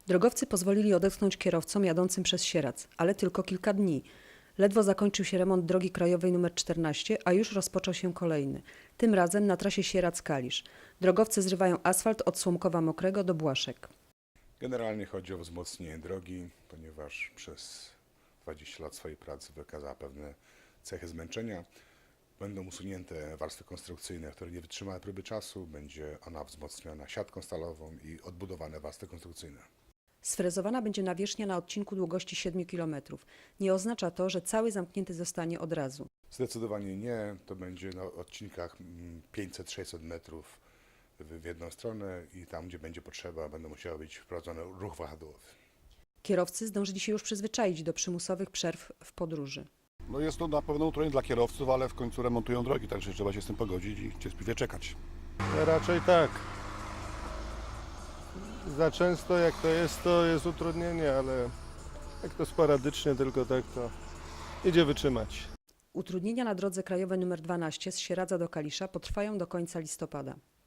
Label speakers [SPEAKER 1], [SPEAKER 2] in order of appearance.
[SPEAKER 1] Drogowcy pozwolili odetchnąć kierowcom jadącym przez Sieradz, ale tylko kilka dni. Ledwo zakończył się remont drogi krajowej nr 14, a już rozpoczął się kolejny. Tym razem na trasie Sieradz-Kalisz. Drogowcy zrywają asfalt od Słomkowa Mokrego do Błaszek.
[SPEAKER 2] Generalnie chodzi o wzmocnienie drogi, ponieważ przez 20 lat swojej pracy wykazała pewne cechy zmęczenia. Będą usunięte warstwy konstrukcyjne, które nie wytrzymały próby czasu. Będzie ona wzmocniona siatką stalową i odbudowane warstwy konstrukcyjne.
[SPEAKER 1] Sfrezowana będzie nawierzchnia na odcinku długości 7 km. Nie oznacza to, że cały zamknięty zostanie od razu.
[SPEAKER 2] Zdecydowanie nie. To będzie na odcinkach 500-600 metrów w jedną stronę i tam, gdzie będzie potrzeba, będą musiały być wprowadzony ruch wahadłowy.
[SPEAKER 1] Kierowcy zdążyli się już przyzwyczaić do przymusowych przerw w podróży.
[SPEAKER 3] No jest to na pewno utrudnienie dla kierowców, ale w końcu remontują drogi, także trzeba się z tym pogodzić i cierpliwie czekać.
[SPEAKER 4] Raczej tak. Za często jak to jest utrudnienie, ale jak to sporadycznie tylko tak, to idzie wytrzymać.
[SPEAKER 1] Utrudnienia na drodze krajowej nr 12 z Sieradza do Kalisza potrwają do końca listopada.